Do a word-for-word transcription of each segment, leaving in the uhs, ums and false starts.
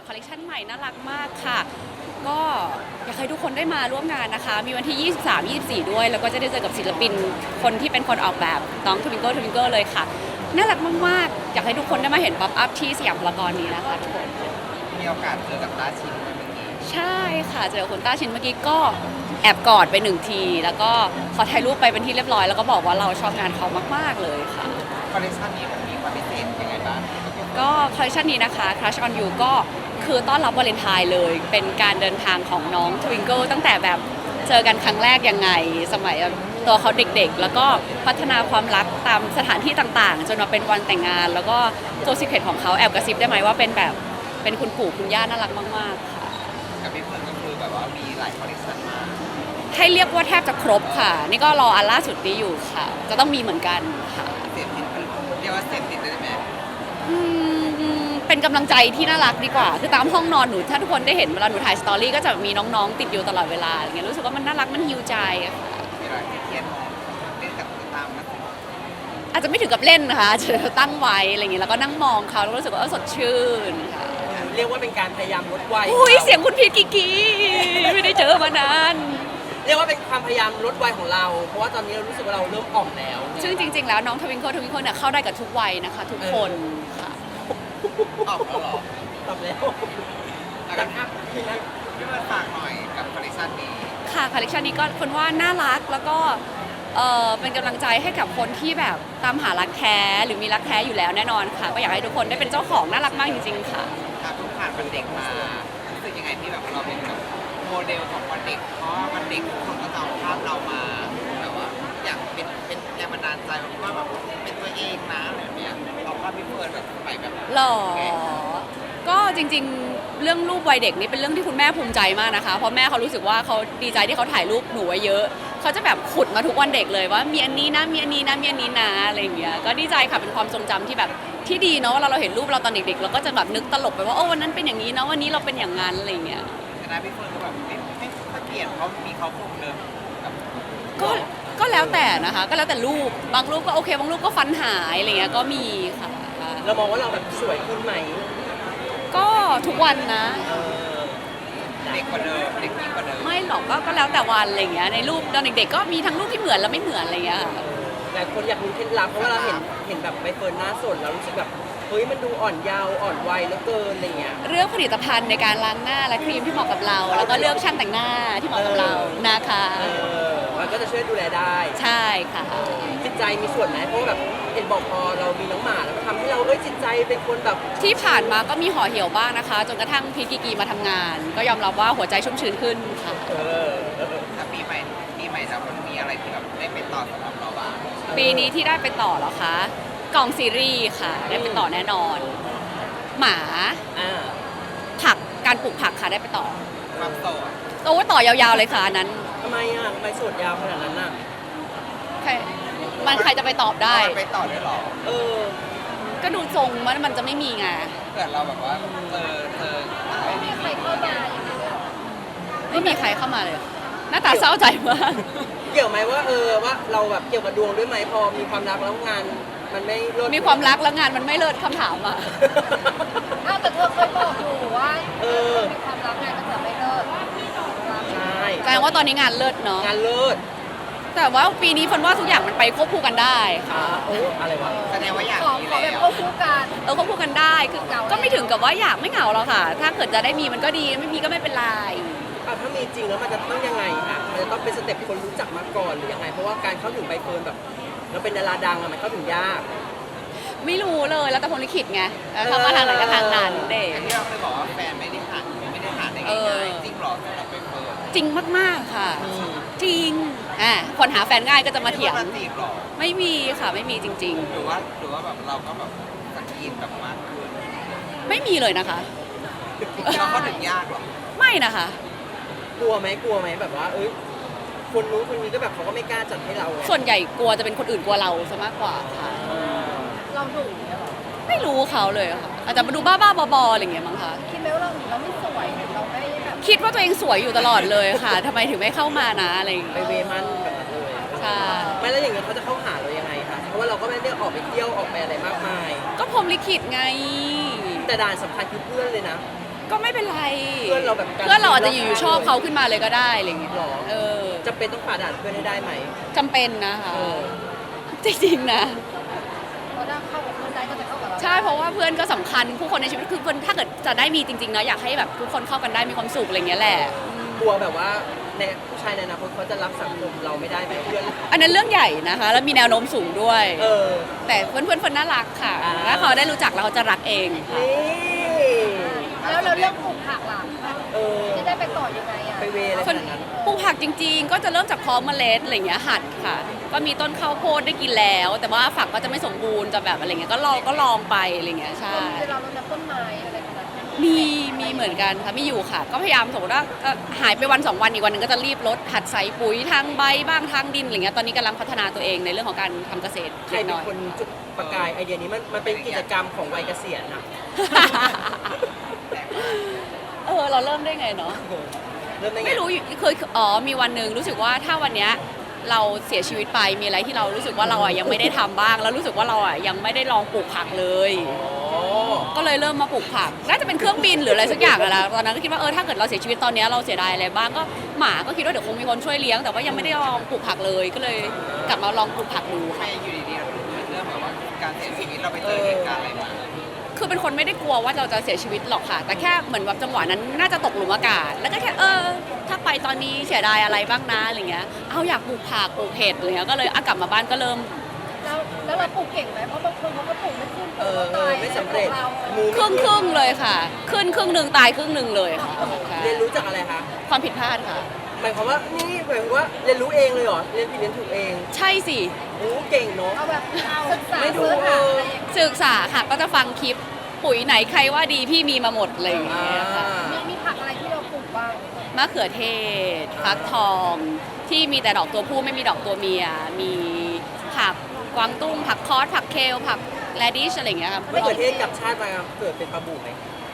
คอลเลคชันใหม่น่ารักมากค่ะก็อยากให้ทุกคนได้มาร่วมงานนะคะมีวันที่ ยี่สิบสาม ยี่สิบสี่ ด้วยแล้วก็จะได้เจอกับศิลปินคนที่เป็นคนออกแบบน้องทวิงเกิลทวิงเกิลเลยค่ะน่ารักมากๆอยากให้ทุกคนได้มาเห็นป๊อปอัพที่สยามพารากอนนี้นะคะทุกคนมีโอกาสเจอกับต้าชินไหมเมื่อกี้ใช่ค่ะเจอคุณต้าชินเมื่อกี้ก็แอบกอดไปหนึ่งทีแล้วก็ขอถ่ายรูปไปเป็นที่เรียบร้อยแล้วก็บอกว่าเราชอบงานเขามากๆเลยค่ะคอลเลคชันนี้มันมีความพิเศษยังไงบ้างก็คอลเลคชันนี้นะคะ Crush on You ก็คือต้อนรับวาเลนไทน์เลย เป็นการเดินทางของน้อง Twinkle ตั้งแต่แบบเจอกันครั้งแรกยังไง สมัยตัวเขาเด็กๆ แล้วก็พัฒนาความรักตามสถานที่ต่างๆ จนมาเป็นวันแต่งงาน แล้วก็ตัวซีเครตของเขาแอบกระซิบได้ไหมว่าเป็นแบบเป็นคุณปู่คุณย่าน่ารักมากๆค่ะกับพี่เฟิร์นก็คือแบบว่ามีหลายคอลเลคชันมากให้เรียกว่าแทบจะครบค่ะ นี่ก็รออันล่าสุดนี้อยู่ค่ะ จะต้องมีเหมือนกันค่ะเสพติดเรียกว่าเสพติดได้ไหมอืมเป็นกำลังใจที่น่ารักดีกว่า คือตามห้องนอนหนูถ้าทุกคนได้เห็นเวลาหนูถ่ายสตอรี่ก็จะมีน้องๆติดอยู่ตลอดเวลาอย่างเงี้ยรู้สึกว่ามันน่ารักมันฮิวใจอะค่ะเวลาที่เครียดมองเล่นกับตุ๊กตามันอาจจะไม่ถึงกับเล่นนะคะจะตั้งไว้อะไรอย่างเงี้ยแล้วก็นั่งมองเขาแล้วรู้สึกว่าเออสดชื่นค่ะเรียกว่าเป็นการพยายามลดวัยอุ้ยเสียงคุณพีทกิกกีไม่ได้เจอมานานเรียกว่าเป็นความพยายามลดวัยของเรา เพราะว่าตอนนี้เรารู้สึกว่าเราเริ่มอ่อมแล้วซึ่งจริงๆแล้วน้องทวิงเกิลทวิงเกิลเนี่ยเข้าได้กับทุกวัยนะคะ ทุกคนค่ะออกแล้วเหรอตอบแล้วแล้วก็พี่พี่เฟิร์นฝากหน่อยกับคอลเลคชันนี้ค่ะคอลเลคชันนี้ก็คนว่าน่ารักแล้วก็เออเป็นกำลังใจให้กับคนที่แบบตามหารักแท้หรือมีรักแท้อยู่แล้วแน่นอนค่ะ ก็อยากให้ทุกคนได้เป็นเจ้าของน่ารักมากจริงๆค่ะถ้าเพิ่งผ่านวันเด็กมารู้สึกยังไงที่แบบเราเป็นแบบโมเดลของวันเด็ก เพราะว่าวันเด็กทุกคนก็จะเอาภาพเรามาแบบว่าอยากเป็นเป็นแรงบันดาลใจว่าแบบเป็นตัวเองนะอะไรแบบเนี้ยเอาภาพพี่เฟิร์นแบบไปแบบหรอ ก็จริงๆ เรื่องรูปวัยเด็กนี่เป็นเรื่องที่คุณแม่ภูมิใจมากนะคะ เพราะแม่เขารู้สึกว่าเขาดีใจที่เขาถ่ายรูปหนูไว้เยอะ เขาจะแบบขุดมาทุกวันเด็กเลยว่ามีอันนี้นะ มีอันนี้นะ มีอันนี้นะอะไรอย่างเงี้ย ก็ดีใจค่ะ เป็นความทรงจำที่แบบที่ดีเนาะเวลาเราเห็นรูปเราตอนเด็กๆ เราก็จะแบบนึกตลกไปว่าโอ้วันนั้นเป็นอย่างนี้นะวันนี้เราเป็นอย่างนั้นอะไรอย่างเงี้ยแต่นะพี่เฟิร์นก็แบบไม่ไม่ไม่เปลี่ยนเพราะมีเขาคงเดิมกับก็ ก็แล้วแต่นะคะ ก็แล้วแต่รูป บางรูปก็โอเค บางรูปก็ฟันหายอะไรเงี้ย ก็มีค่ะเรามองว่าเราแบบสวยขึ้นไหมก็ทุกวันนะเออเด็กกว่าเดิมเด็กยิ่งกว่าเดิมไม่หรอกก็ก็แล้วแต่วันอะไรอย่างเงี้ยในรูปตอนเด็กๆก็มีทั้งรูปที่เหมือนและไม่เหมือนอะไรอย่างเงี้ยค่ะหลายคนอยากรู้เคล็ดลับเพราะว่าเราเห็นเห็นแบบใบเฟิร์นหน้าสดแล้วรู้สึกแบบเฮ้ยมันดูอ่อนเยาว์อ่อนวัยเหลือเกินอะไรเงี้ยเลือกผลิตภัณฑ์ในการล้างหน้าและครีมที่เหมาะกับเรา แล้วก็เลือกช่างแต่งหน้าที่เหมาะกับเรานะคะเออมันก็จะช่วยดูแลได้ใช่ค่ะจิตใจมีส่วนไหมเพราะว่าแบบเห็นบอกพอเรามีน้องหมาแล้วมันทำให้เราเอ้ยจิตใจเป็นคนแบบที่ผ่านมาก็มีห่อเหี่ยวบ้างนะคะ จนกระทั่งพีทกีกีมาทำงาน ก็ยอมรับว่าหัวใจชุ่มชื้นขึ้นค่ะเออเออถ้าปีใหม่ปีใหม่แล้วมันมีอะไรที่แบบได้ไปต่อสำหรับเราบ้างปีนี้ที่ได้ไปต่อเหรอคะกล่องซีรีส์ค่ะ ได้ไปต่อแน่นอน หมาอ่าผักการปลูกผักค่ะได้ไปต่อความโสดโอ้ต่อยาวๆเลยค่ะอันนั้นทำไมอ่ะทำไมโสดยาวขนาดนั้นอ่ะใครมันใครจะไปตอบได้มันไปต่อได้หรอเออก็ดูทรงมันมันจะไม่มีไงเกิดเราแบบว่าเจอเจอไม่มีใครเข้ามาไม่มีใครเข้ามาเลย หน้าตาเศร้าใจมากเกี่ยวไหมว่าเออว่าเราแบบเกี่ยวกับดวงด้วยไหมพอมีความรักแล้วงานมันไม่รดมีความรักแล้วงานมันไม่เลิศคำถามอ่ะอ้าวแต่เธอเคยบอกอยู่ว่าเออมีความรักงานก็จะไม่เลิกใช่แสดงว่าตอนนี้งานเลิศเนาะงานเลิศแต่ว่าปีนี้ฝนว่าทุกอย่างมันไปควบคู่กันได้ค่ะอ่าโอ้อะไรวะแสดงว่าอยากขอมีขอแบแล้บวควบคู่กันเออควบคู่กันได้คือก็ไม่ถึงกับว่าอยากไม่เหงาหรอกค่ะ ถ้าเกิดจะได้มีมันก็ดีไม่มีก็ไม่เป็นไรอ่ะถ้ามีจริงแล้วมันจะต้องยังไงคะมันจะต้องเป็นสเต็ปคนรู้จักมาก่อนหรือยังไง เพราะว่าการเข้าถึงใบเฟิร์นแบบเราเป็นดาราดังอะมันเข้าถึงยากไม่รู้เลยแล้วแต่พลลิขิตไงแล้วเขามาทางไหนก็ทางนั้นเด็กอันที่เราเคยบอกว่าแฟนไม่ได้หาไม่ได้หาได้เออง่ายๆจริงหรอสำหรับใบเฟิร์นจริงมากๆค่ะ จริงอ่ะคนหาแฟนง่ายก็จะมาเถียงไจีบหรอไม่มีค่ะไม่มีจริงหรือว่าหรือว่าแบบเราก็แบบสกรีนแบบมากขึ้นๆ ไม่มีเลยนะคะเราเข้าถึงยากหรอไม่นะคะกลัวไหมกลัวไหมแบบว่า เอ้ยคนนู้นคนนี้ก็แบบเขาก็ไม่กล้าจัดให้เราไงส่วนใหญ่กลัวจะเป็นคนอื่นกลัวเราซะมากกว่าค่ะเราดุเนี่ยเหรอไม่รู้เขาเลยค่ะอาจจะมาดูบ้าๆบอๆอะไรอย่างเงี้ยมั้งคะคิดไหมว่าเราเราไม่สวยเราไม่แบบคิดว่าตัวเองสวยอยู่ตลอดเลยค่ะทำไมถึงไม่เข้ามานะอะไรอย่างไปเงี้ยเวมันแบบนั้นเลยใช่ไม่แล้วอย่างเงี้ยเขาจะเข้าหาเรายังไงคะเพราะว่าเราก็ไม่ได้ออกไปเที่ยวออกไปอะไรมากมายก็พรหมลิขิตไงแต่ด่านสำคัญคือเพื่อนเลยนะก็ไม่เป็นไรเพื่อนเราแบบการเพื่อนเราอาจจะอยู่ๆชอบเขาขึ้นมาเลยก็ได้อะไรอย่างเงี้ยหรอเออจะเป็นต้องผ่าด่านเพื่อนให้ได้ไหมจำเป็นนะคะเออจริงๆนะเราได้เข้ากับเพื่อนได้ก็จะเข้ากับเราใช่เพราะว่าเพื่อนก็สำคัญผู้คนในชีวิตคือเพื่อนถ้าเกิดจะได้มีจริงๆนะอยากให้แบบทุกคนเข้ากันได้มีความสุขอะไรอย่างเงี้ยแหละกลัวแบบว่าในผู้ชายในอนาคตเขาจะรับสังคมเราไม่ได้ไหมเพื่อนอันนั้นเรื่องใหญ่นะคะ แล้วมีแนวโน้มสูงด้วยเออแต่เพื่อนเพื่อนๆเพื่อนน่ารักค่ะอ่าถ้าเขาได้รู้จักแล้วเขาจะรักเองค่ะนี่แล้วเราเรื่องปลูกผักล่ะเออจะได้ไปต่อยังไงอ่ะไปเวอะไรขนาดนั้นปลูกผักจริงๆ ก็จะเริ่มจากเพาะเมล็ดอะไรอย่างเงี้ยหัดค่ะ ก็มีต้นข้าวโพดได้กินแล้ว แต่ว่าฝักก็จะไม่สมบูรณ์จะแบบอะไรเงี้ยก็ลองก็ลองไปอะไรเงี้ยใช่เวลาเรานับต้นไม้อะไรแบบนั้นมีมีเหมือนกันค่ะมีอยู่ค่ะ ก็พยายามสมมติว่าเอ่อหายไปวันสองวันอีกวันหนึงก็จะรีบลดหัดใส่ปุ๋ยทางใบบ้างทางดินอะไรเงี้ยตอนนี้กำลังพัฒนาตัวเองในเรื่องของการทำเกษตรใครเล็กเป็น้นอยคนจุดประกายไอเดียนี้มันมันเป็นกิจกรรมของวัยเกษียณนะเออเราเริ่มได้ไงเนาะเริ่มได้ไงไม่รู้อยู่เคยอ๋อมีวันหนึ่งรู้สึกว่าถ้าวันเนี้ยเราเสียชีวิตไปมีอะไรที่เรารู้สึกว่าเราอ่ะยังไม่ได้ทำบ้าง แล้วรู้สึกว่าเราอ่ะยังไม่ได้ลองปลูกผักเลยอ๋อก็เลยเริ่มมาปลูกผักน่าจะเป็นเครื่องบินหรืออะไรสักอย่างอะนะตอนนั้นก็คิดว่าเออถ้าเกิดเราเสียชีวิตตอนเนี้ยเราเสียดายอะไรบ้างก็หมาก็คิดว่าเดี๋ยวคงมีคนช่วยเลี้ยงแต่ว่ายังไม่ได้ลองปลูกผักเลย ก็เลยกลับมาลองปลูกผักดูใครค่ะอยู่ดีๆเราถึงเรื่องแบบว่าการเสียชีวิตเราไปเจอเหตุการณ์อะไรมาคือเป็นคนไม่ได้กลัวว่าเราจะเสียชีวิตหรอกค่ะ แต่แค่เหมือนแบบจังหวะนั้นน่าจะตกหลุมอากาศ แล้วก็แค่เออถ้าไปตอนนี้เสียดายอะไรบ้างนะอะไรเงี้ยเอาอยากปลูกผักปลูกเห็ดอะไรเงี้ยก็เลยเอากลับมาบ้านก็เริ่มแล้วแล้วเราปลูกเก่งไหมเพราะบางคนเขาก็ปลูกไม่ขึ้นเออเอตาอย ไม่สำเร็จเรามือครึ่งครึ่งๆเลยค่ะ ขึ้นครึ่งหนึ่งตายครึ่งหนึ่งเลยค่ะใช่เรียนรู้จากอะไรคะความผิดพลาดค่ะหมายความว่านี่หมายความว่าเรียนรู้เองเลยเหรอเรียนผิดเรียนถูกเองใช่สิโอ้เก่งเนาะเอาแบบศึกษาไม่ดูเสิร์ชหาอะไรอย่างเงี้ยศึกษาค่ะก็จะฟังคลิปปุ๋ยไหนใครว่าดีพี่มีมาหมดอะไรอย่างอ่าเงี้ยค่ะมีมีผักอะไรที่เราปลูกบ้างมะเขือเทศฟักทองที่มีแต่ดอกตัวผู้ไม่มีดอกตัวเมีย มีผักกวางตุ้งผักคอสผักเคลผักแรดิชอะไรอย่างเงี้ยครับไม่เกิดเทศกับชาติมาเกิดเป็นปลาบูไหม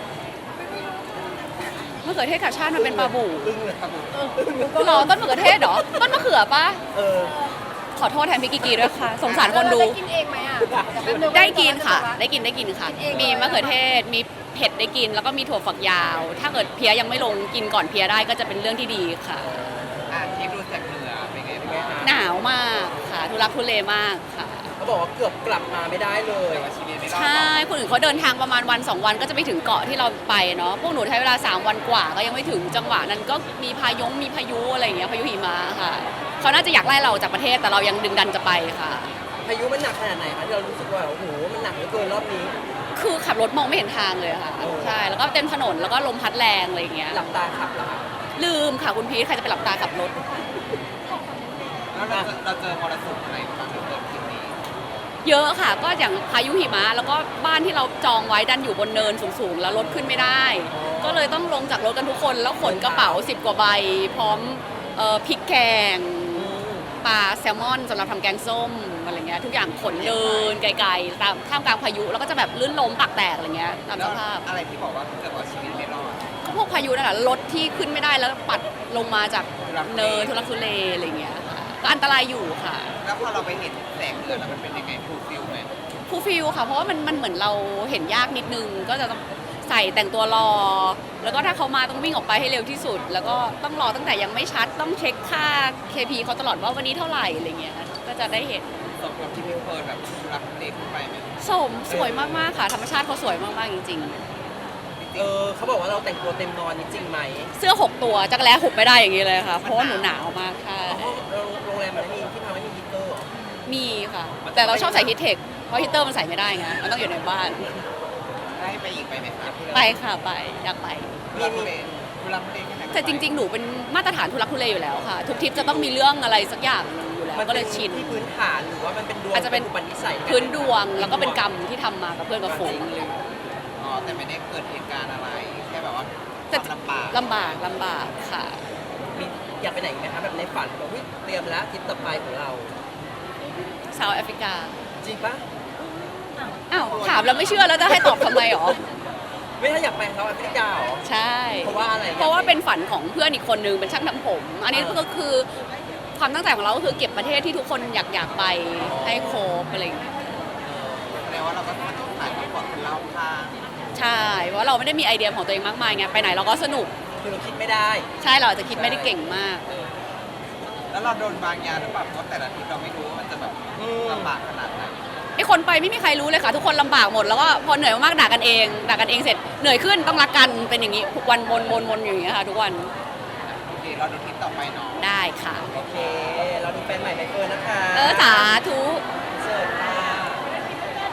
มะเขือเทศกับชาติมันเป็นปลาบูอึ้งเลยปลาบูหรอต้นมะเขือเทศเหรอต้นมะเขือปะเออขอโทษแทนพี่กิกีด้วยค่ะ สงสารคนดูแล้วเราได้กินเองไหมอ่ะเยวแป๊บนึงได้กินค่ะว่าจได้กินได้กินค่ะกินเองมีมะเขือเทศ มีเผ็ดได้กิน แล้วก็มีถั่วฝักยาว ถ้าเกิดเพี้ยยังไม่ลงกินก่อนเพี้ยได้ก็จะเป็นเรื่องที่ดีค่ะอ่ะคลิปดูจากเหนือเป็นไงบ้างคะหนาวมากค่ะ ทุรักทุเลมากค่ะเขาบอกว่าเกือบกลับมาไม่ได้เลยแต่ว่าชีวิตไม่รอดใช่ คนอื่นเขาเดินทางประมาณวันสองวันก็จะไปถึงเกาะที่เราไปเนาะ พวกหนูใช้เวลาสามวันกว่าก็ยังไม่ถึงจังหวะนั้นก็มีพายงมีพายุอะไรอย่างเงี้ย พายุหิมะค่ะ เขาน่าจะอยากไล่เราจากประเทศแต่เรายังดึงดันจะไปค่ะพายุมันหนักขนาดไหนคะที่เรารู้สึกว่าโอ้โหมันหนักเหลือเกินรอบนี้คือขับรถมองไม่เห็นทางเลยค่ะโอ้ใช่ แล้วก็เต็มถนนแล้วก็ลมพัดแรงอะไรอย่างเงี้ยหลับตาขับเหรอคะลืมค่ะคุณพีทใครจะไปหลับตาขับรถแล้วเราเจอเราเจอมรสุมอะไรบ้างในเกิดขึ้นนี้เยอะค่ะ ก็อย่างพายุหิมะแล้วก็บ้านที่เราจองไว้ดันอยู่บนเนินสูงๆ แล้วรถขึ้นไม่ได้ ก็เลยต้องลงจากรถกันทุกคน แล้วขนกระเป๋าสิบกว่าใบ พร้อมเอ่อพริกแกงอืมปลาแซลมอนสำหรับทำแกงส้มอะไรเงี้ยทุกอย่างขนเดินไกลๆตามท่ามกลางพายุแล้วก็จะแบบลื่นล้มปากแตกอะไรเงี้ยตามแล้สวภาพอะไรที่บอกว่าเกิดว่าชีวิตไม่รอดก็พวกพายุนั่นแหละรถที่ขึ้นไม่ได้แล้วปัดลงมาจากเนินทุลักทุเลอะไรเงี้ยค่ะก็อันตรายอยู่ค่ะแล้วพอเราไปเห็นแสงเดือนแล้วมันเป็นยังไงฟูลฟิลไหมฟูลฟิลค่ะ เพราะว่ามันมันเหมือนเราเห็นยากนิดนึง ก็จะต้องใส่แต่งตัวรอ แล้วก็ถ้าเขามาต้องวิ่งออกไปให้เร็วที่สุด แล้วก็ต้องรอตั้งแต่ยังไม่ชัด ต้องเช็คค่า เค พี เขาตลอดว่าวันนี้เท่าไหร่อะไรเงี้ย ก็จะได้เห็นสมกับที่พี่เฟิร์นแบบรักเด็กไปไหมสมสวยมากๆค่ะ ธรรมชาติเขาสวยมากๆจริงเออเขาบอกว่าเราแต่งตัวเต็มนอนนี่จริงไหมๆ เสื้อหกตัวจักรแล้หุบไม่ได้อย่างนี้เลยค่ะ เพราะว่าหนูหนาวมากค่ะห้องโรงแรมมันไม่มีที่พักไม่มีฮีตเตอร์เหรอมีค่ะ แต่เราชอบใส่ฮีทเทค เพราะฮีตเตอร์มันใส่ไม่ได้ไง มันต้องอยู่ในบ้านได้ไปอีกไปไหมครับไปค่ะไป อยากไปมีมีทุลักทุเลแค่ไหนแต่จริงๆ หนูเป็นมาตรฐานทุลักทุเลอยู่แล้วค่ะ ทุกทริปจะต้องมีเรื่องอะไรสักอย่างหนึงอยู่แล้วมันก็เลยชินที่พื้นฐานหรือว่ามันเป็นดวงอาจจะเป็นอุปนิสัยพื้นดวงแล้วก็เป็นกรรมที่ทำมากับเพื่อนกับฝูงเลยอ๋อแต่ไม่ได้เกิดเหตุการณ์อะไรแค่แบบว่าแต่ความลำบากลำบากลำบากค่ะมีอยากไปไหนอีกไหมคะแบบในฝันแบบวิเตรียมแล้วทริปต่อไปของเราซาวแอฟริกาจริงปะอ้าว ถามแล้วไม่เชื่อแล้วจะให้ตอบทำไมหรอไม่ถ้าอยากไปเขาแอฟริกาเหรอใช่เพราะว่าอะไรเพราะว่าเป็นฝันของเพื่อนอีกคนนึงเป็นช่างทำผม อันนี้ก็คือความตั้งใจของเราก็คือเก็บประเทศที่ทุกคนอยากอยากไปให้ครบอะไรอย่างเงี้ยแปลว่าเราก็ต้องถ่ายความปลอดคนรอบข้างใช่เพราะเราไม่ได้มีไอเดียของตัวเองมากมายไงไปไหนเราก็สนุกคือเราคิดไม่ได้ใช่เราอาจจะคิดไม่ได้เก่งมากแล้วเราโดนบางยาหรือเปล่าเพราะแต่ละทีเราไม่รู้ว่ามันจะแบบอืมลำบากขนาดไหนไอ้คนไปไม่มีใครรู้เลยค่ะ ทุกคนลำบากหมดแล้วก็พอเหนื่อยมากๆด่ากันเองด่ากันเองเสร็จเหนื่อยขึ้นต้องรักกันเป็นอย่างนี้ทุกวันวนวนวนอยู่อย่างนี้ยค่ะ ทุกวันโอเคเราดูทริปต่อไปเนาะได้ค่ะโอเค เราดูแฟนใหม่ใบเฟิร์นนะคะเออสาธุค